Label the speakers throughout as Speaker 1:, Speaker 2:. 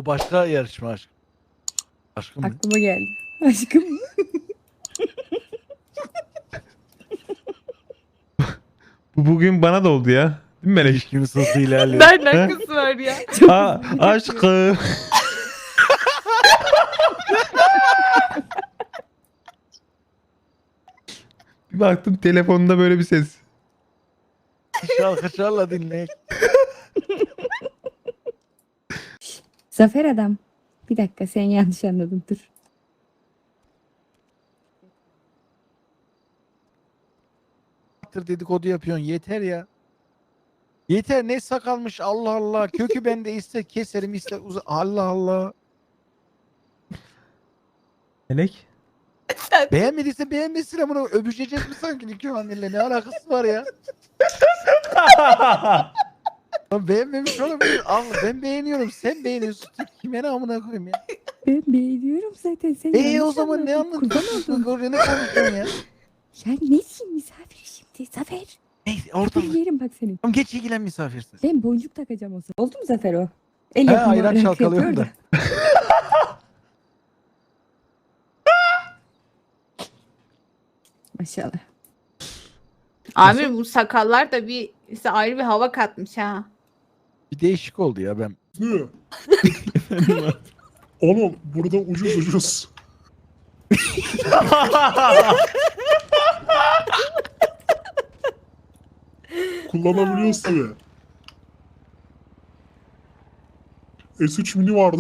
Speaker 1: başka yarışma aşkım. Aşkım mı?
Speaker 2: Aklıma geldi. Aşkım.
Speaker 3: Bu bugün bana da oldu ya. Değil mi Melek?
Speaker 1: İlişkimiz hızlı ilerliyor.
Speaker 2: Nereden kız var ya?
Speaker 3: Aa, aşkım. Bir baktım telefonda böyle bir ses.
Speaker 1: Şarkı dinle.
Speaker 2: Zafer adam. Bir dakika sen yanlış anladın dur.
Speaker 1: Dedikodu yapıyorsun yeter ya. Yeter ne sakalmış Allah Allah. Kökü bende ister keserim ister Allah Allah.
Speaker 3: Melek.
Speaker 1: Beğenmediyse beğenmesin ama öpüşeceğiz mi sanki Nikah anneyle ne alakası var ya? Lan beğenmemiş olabilir. Allah ben beğeniyorum sen beğeniyorsun. Kime ne amına koyayım ya?
Speaker 2: Ben beğeniyorum zaten sen
Speaker 1: O
Speaker 2: yanlış
Speaker 1: zaman ne
Speaker 2: anladın.
Speaker 1: anladın?
Speaker 2: Kurban oldum.
Speaker 1: Ne konuşuyorsun ya?
Speaker 2: Ya nesin misafir şimdi Zafer?
Speaker 1: Neyse orada.
Speaker 2: Ben yerim bak seni.
Speaker 1: Tamam geç ilgilen misafirsiz.
Speaker 2: Ben boncuk takacağım o zaman. Oldu mu Zafer o? El
Speaker 1: He
Speaker 2: yapımı
Speaker 1: ayran
Speaker 2: olarak
Speaker 1: çalkalıyorum
Speaker 2: yapıyor
Speaker 1: da.
Speaker 2: Maşallah.
Speaker 4: Abi bu sakallar da size ayrı bir hava katmış ha.
Speaker 1: Bir değişik oldu ya ben.
Speaker 5: Ne? Oğlum burada ucuz. Kullanabiliyoruz tabi. S3 mini vardı.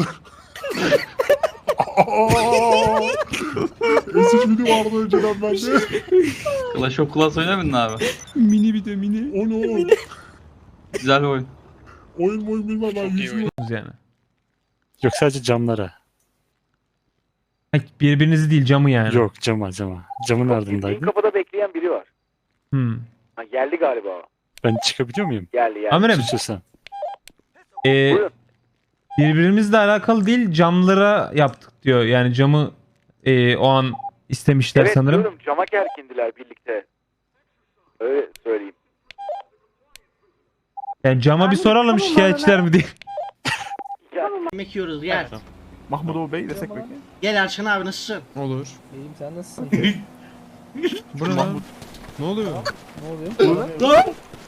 Speaker 5: S3 mini vardı önceden bende.
Speaker 6: Clash of Clans oynamadın abi.
Speaker 3: Mini bir de mini.
Speaker 5: O ne oğlum?
Speaker 6: Güzel bir oyun.
Speaker 5: Oyun bilmem ben yüzümü.
Speaker 3: Yani.
Speaker 7: Yok sadece camlara.
Speaker 3: Ay, birbirinizi değil camı yani.
Speaker 7: Yok cama. Camın ardındaydı.
Speaker 8: Kapıda bekleyen biri var.
Speaker 3: Hmm.
Speaker 8: Ha, geldi galiba o.
Speaker 7: Ben çıkabiliyor muyum?
Speaker 8: Geldi.
Speaker 3: Amirim.
Speaker 7: Suçlasam.
Speaker 8: Buyurun.
Speaker 3: Birbirimizle alakalı değil camlara yaptık diyor. Yani camı o an istemişler
Speaker 8: Evet
Speaker 3: sanırım.
Speaker 8: diyorum cama gergindiler birlikte. Öyle söyleyeyim.
Speaker 3: Yani cama bir soralım şikayetçiler mi diye.
Speaker 9: Yemek yiyoruz gel.
Speaker 1: Mahmut Bey desek peki.
Speaker 9: Gel Erşan abi nasılsın?
Speaker 10: Olur.
Speaker 11: İyiyim sen nasılsın?
Speaker 10: Bu ne lan? Ne oluyor?
Speaker 11: Ne oluyor?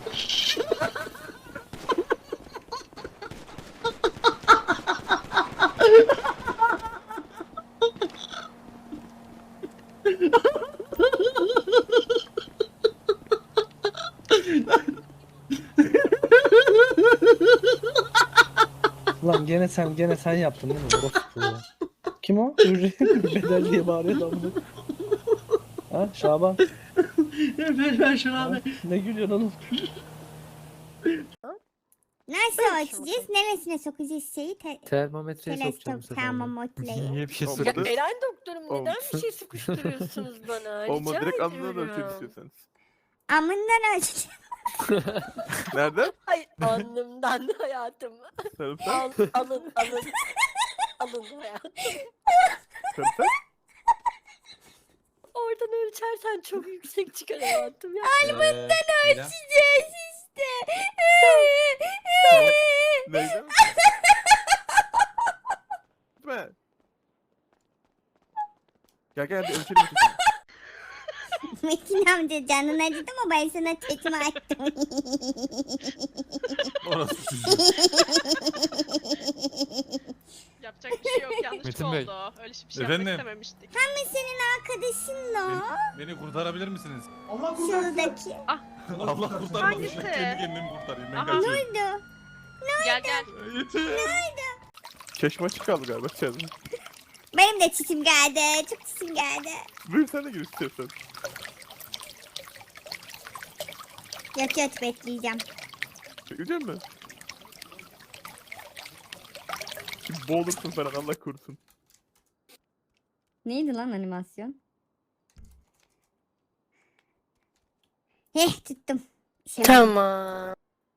Speaker 11: Lan gene sen yaptın değil mi? Orospu ya. Kim o? Bedel diye bağırıyor da bunu. Ha Şaban.
Speaker 9: Evet Erşan abi.
Speaker 11: Ne gülüyorsun oğlum?
Speaker 12: Nasıl açacağız? Neresine sokacağız şeyi?
Speaker 11: Termometreye sokacağım bu sefer.
Speaker 12: Termometreyi.
Speaker 10: Niye bir şey
Speaker 13: Ya
Speaker 10: sordun?
Speaker 13: Eren doktorum neden bir şey sıkıştırıyorsunuz bana? Rica
Speaker 10: Direkt
Speaker 13: ediyorum.
Speaker 10: alnından ölçelim istiyorsanız.
Speaker 12: Amından açacağım.
Speaker 10: Nereden?
Speaker 13: Hayır alnımdan hayatım.
Speaker 10: Sarımsak?
Speaker 13: Alın. Alın hayatım.
Speaker 10: Sarımsak?
Speaker 13: Oradan ölçersen çok yüksek çıkar hayatım ya.
Speaker 12: Alnından ölçeceğiz işte.
Speaker 10: Neyden? Gitme. Gel bir ölçelim.
Speaker 12: Metin amca canın acıdı mı? Ben sana çetimi açtım.
Speaker 10: Orası
Speaker 13: Yapacak bir şey yok yanlış
Speaker 10: Metin
Speaker 13: oldu.
Speaker 10: Bey.
Speaker 13: Öyle bir şey
Speaker 10: Efendim?
Speaker 13: yapmak istememiştik.
Speaker 12: Ama senin arkadaşın o.
Speaker 10: Beni kurtarabilir misiniz?
Speaker 12: Şuradaki.
Speaker 10: Allah kurtarmasın.
Speaker 13: Hangisi?
Speaker 10: Kendi kendimi kurtarayım. Ben
Speaker 13: Aha.
Speaker 10: kaçıyorum.
Speaker 12: Buydu.
Speaker 13: Gel.
Speaker 10: Yeter. Çeşme açık kaldı galiba içeride.
Speaker 12: Benim de çiçim geldi. Çok çiçim geldi.
Speaker 10: Buyur sen de gir istiyorsan.
Speaker 12: Yok bekleyeceğim.
Speaker 10: Çekecek mi? Şimdi boğulursun falan Allah korusun.
Speaker 2: Neydi lan animasyon?
Speaker 12: Tuttum.
Speaker 13: Tamam.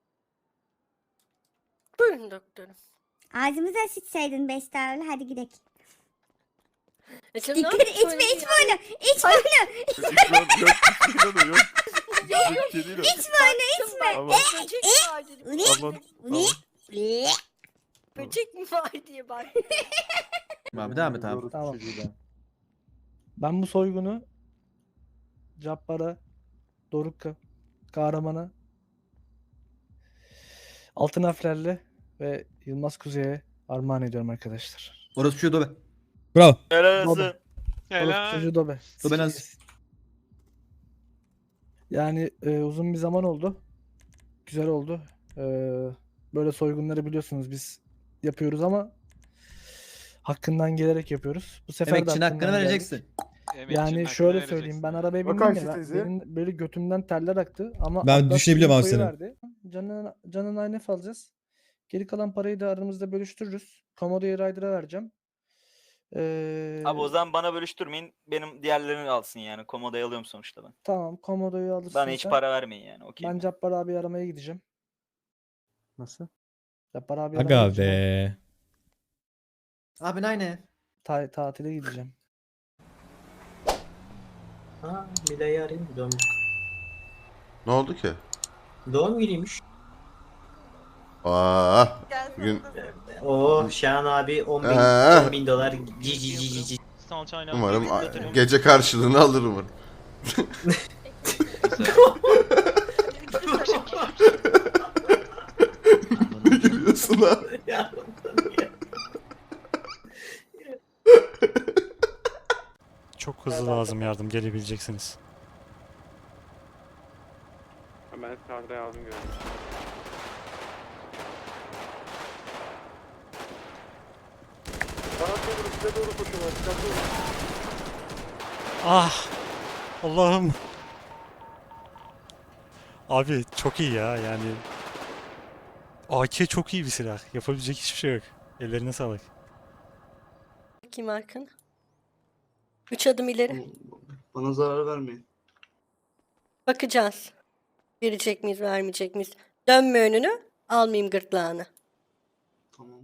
Speaker 13: Buyurun doktorum.
Speaker 12: Ağzımıza sıçsaydın 5 tane. Hadi gidelim.
Speaker 13: Şimdi
Speaker 12: Dikkat içme onu. İçme onu.
Speaker 10: Yok.
Speaker 12: İçme onu içme.
Speaker 10: Aman.
Speaker 12: Ne?
Speaker 10: Aman.
Speaker 12: Ne? Ne?
Speaker 13: Böcek mi var diye bak.
Speaker 10: Abi devam et abi.
Speaker 11: Tamam. Ben bu soygunu Cabbar'a, Doruk'a, Kahraman'a, Altın Harflerle ve Yılmaz Kuzey'e armağan ediyorum arkadaşlar.
Speaker 10: Orası şu dobe.
Speaker 14: Bravo.
Speaker 11: Dobe. Orospu çocuğu Dobe.
Speaker 10: Dobe nasıl?
Speaker 11: Yani uzun bir zaman oldu. Güzel oldu. Böyle soygunları biliyorsunuz biz yapıyoruz ama hakkından gelerek yapıyoruz. Bu sefer de
Speaker 10: Emekçinin hakkını
Speaker 11: hakkından geldik.
Speaker 10: vereceksin.
Speaker 11: Yani şöyle söyleyeyim, ben arabaya bindim ya, benim böyle götümden teller aktı ama
Speaker 14: Ben
Speaker 11: Atlas
Speaker 14: düşünebiliyorum abi
Speaker 11: infoyu
Speaker 14: seni.
Speaker 11: verdi. Canına INF alacağız. Geri kalan parayı da aramızda bölüştürürüz. Komodo'yu Ryder'a vereceğim.
Speaker 8: Abi o zaman bana bölüştürmeyin. Benim diğerlerini alsın yani. Komodo'yu alıyorum sonuçta ben.
Speaker 11: Tamam, Komodo'yu alırsın
Speaker 8: Bana hiç
Speaker 11: sen.
Speaker 8: para vermeyin yani. Okey.
Speaker 11: Ben Cabbar abi aramaya gideceğim. Nasıl? Cabbar abi
Speaker 14: Aga
Speaker 11: aramaya gideceğim.
Speaker 14: be.
Speaker 10: Abi aynı.
Speaker 11: Tatile gideceğim.
Speaker 9: Ha, Mila'yı arayayım.
Speaker 5: Ne oldu ki?
Speaker 9: Doğum günüymüş.
Speaker 5: Bugün
Speaker 9: Oo, Şahan abi 10 bin dolar. Cici.
Speaker 5: umarım gece karşılığını alır umarım. Ne gülüyorsun lan?
Speaker 7: Çok hızlı lazım yardım, gelebileceksiniz.
Speaker 8: Ben sağda yardım görüyorum.
Speaker 7: Ah! Allah'ım! Abi çok iyi ya yani. AK çok iyi bir silah. Yapabilecek hiçbir şey yok. Ellerine sağlık.
Speaker 13: Kim Arkın? 3 adım ileri.
Speaker 9: Bana zarar vermeyin.
Speaker 13: Bakacağız. Verecek miyiz, vermeyecek miyiz? Dönme önünü, almayayım gırtlağını.
Speaker 9: Tamam.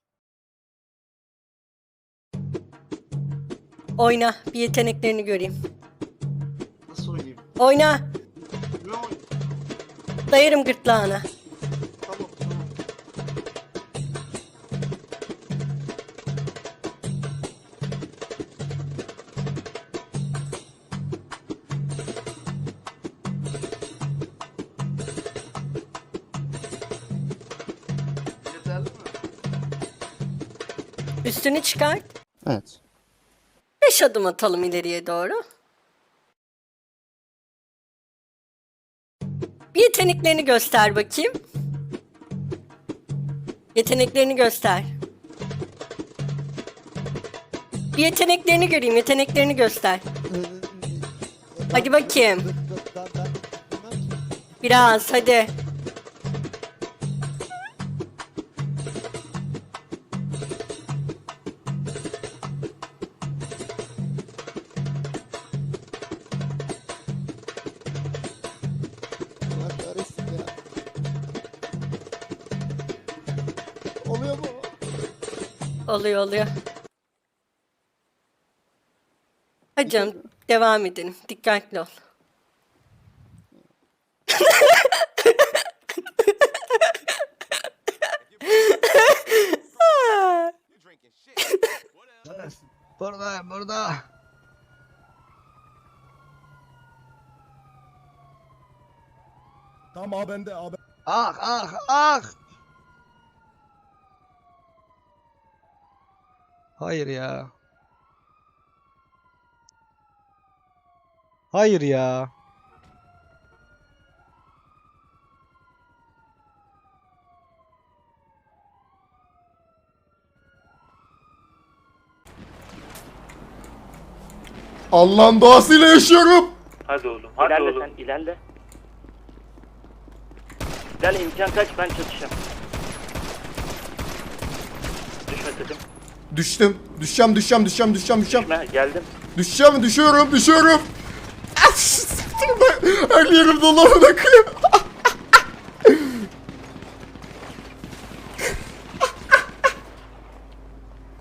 Speaker 13: Oyna, bir yeteneklerini göreyim.
Speaker 9: Nasıl oynayayım?
Speaker 13: Oyna,
Speaker 9: Ne oynayayım?
Speaker 13: dayarım gırtlağına.
Speaker 9: Tamam. Yeterli mi?
Speaker 13: Üstünü çıkart.
Speaker 10: Evet.
Speaker 13: 5 adım atalım ileriye doğru. Bir yeteneklerini göster bakayım. Yeteneklerini göster. Bir yeteneklerini göreyim, yeteneklerini göster. Hadi bakayım. Biraz, hadi.
Speaker 1: Oluyor mu?
Speaker 13: Oluyor. Hadi canım, devam edelim. Dikkatli ol.
Speaker 1: Burada. Tamam abi bende abi. Ah. Hayır ya. Hayır ya.
Speaker 5: Allah'ın doğasıyla yaşıyorum.
Speaker 8: Hadi oğlum. İlerle sen ilerle. İlerle imkan kaç ben çatışacağım. Düşme sakın.
Speaker 5: Düştüm. Düşeceğim.
Speaker 8: Düşme geldim.
Speaker 5: Düşüyorum. Her yerim dolanı akıyor.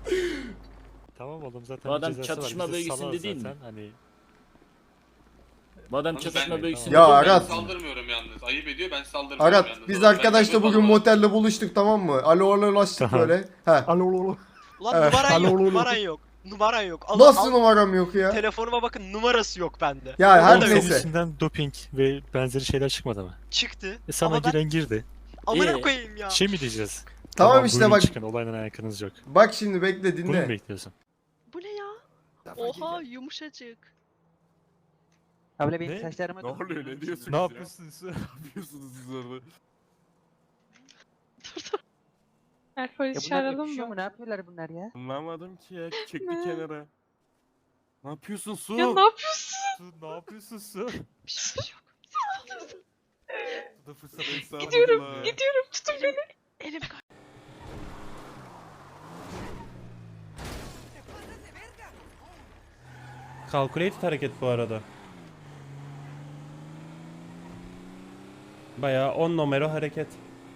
Speaker 7: Tamam oğlum zaten
Speaker 9: Bu adam
Speaker 7: bir cezası var.
Speaker 9: çatışma
Speaker 7: Bizi
Speaker 9: bölgesinde
Speaker 7: salar
Speaker 9: değil mi?
Speaker 7: zaten. Hani
Speaker 10: Madem çatışma büyük
Speaker 5: Ya Arat.
Speaker 10: saldırmıyorum yalnız. Ayıp ediyor ben saldırmıyorum
Speaker 5: Arat biz arkadaşla bugün motelde buluştuk tamam mı? Alolaştık
Speaker 7: Tamam.
Speaker 5: böyle. He.
Speaker 11: Alo.
Speaker 9: Ulan
Speaker 5: Evet.
Speaker 9: numaran yok,
Speaker 11: Alo.
Speaker 9: numaran yok. Numaran yok.
Speaker 5: Nasıl numaram yok ya?
Speaker 9: Telefonuma bakın numarası yok bende.
Speaker 5: Ya her
Speaker 7: Senin
Speaker 5: neyse.
Speaker 7: içinden doping ve benzeri şeyler çıkmadı mı?
Speaker 9: Çıktı.
Speaker 7: Sana
Speaker 9: Ama ben
Speaker 7: giren girdi.
Speaker 9: amına koyayım ya.
Speaker 7: Şey mi diyeceğiz?
Speaker 5: Tamam işte
Speaker 7: buyurun
Speaker 5: bak.
Speaker 7: Çıkın, olayla alakanız yok.
Speaker 5: Bak şimdi bekle
Speaker 7: Bunu mu
Speaker 5: dinle.
Speaker 7: bekliyorsun?
Speaker 9: Bu ne ya? Oha yumuşacık.
Speaker 7: Abla benim
Speaker 9: saçlarıma
Speaker 10: Ne oluyor ne diyorsun?
Speaker 7: Ne
Speaker 10: yapıyorsunuz siz orada?
Speaker 4: Polis çağıralım mı?
Speaker 9: Ne yapıyorlar bunlar ya?
Speaker 10: Anlamadım ki ya. Çekti kenara. Ne yapıyorsun Su?
Speaker 4: Ya ne yapıyorsun?
Speaker 10: Su ne yapıyorsun Su?
Speaker 9: Bir şey yok.
Speaker 10: Bu da fırsat estağfurullah.
Speaker 4: Gidiyorum tutun beni.
Speaker 9: Elim
Speaker 3: Calculated hareket bu arada. Bayağı 10 numara hareket.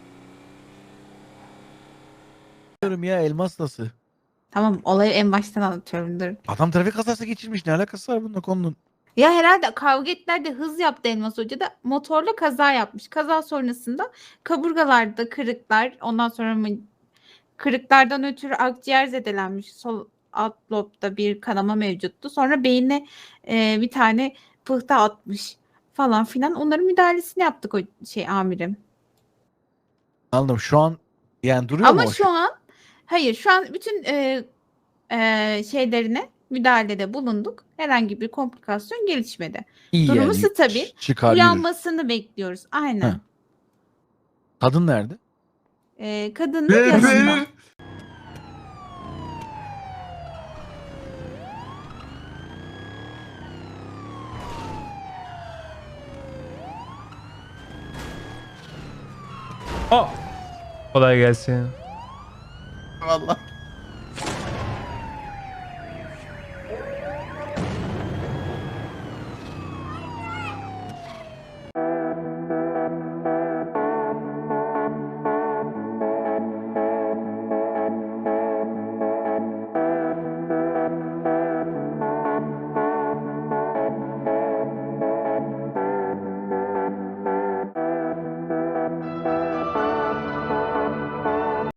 Speaker 1: Diyorum ya elmas nasıl?
Speaker 4: Tamam olayı en baştan anlatıyorum dur.
Speaker 1: Adam trafik kazası geçirmiş. Ne alakası var bununla konunun?
Speaker 4: Ya herhalde kavga ettiler de hız yaptı Elmas Hoca da motorla kaza yapmış. Kaza sonrasında kaburgalarda kırıklar ondan sonra kırıklardan ötürü akciğer zedelenmiş. Sol alt lobda bir kanama mevcuttu. Sonra beyine bir tane pıhtı atmış falan filan. Onların müdahalesini yaptık o amirim.
Speaker 1: Anladım. Şu an yani duruyor
Speaker 4: Ama
Speaker 1: mu o
Speaker 4: şu an hayır şu an bütün şeylerine müdahalede bulunduk. Herhangi bir komplikasyon gelişmedi.
Speaker 1: İyi
Speaker 4: Durumu
Speaker 1: yani,
Speaker 4: stabil.
Speaker 1: Çıkar yürür.
Speaker 4: Uyanmasını bekliyoruz. Aynen.
Speaker 1: Heh. Kadın nerede?
Speaker 4: Kadının yanında.
Speaker 3: Oh! Kolay gelsin.
Speaker 5: Vallahi.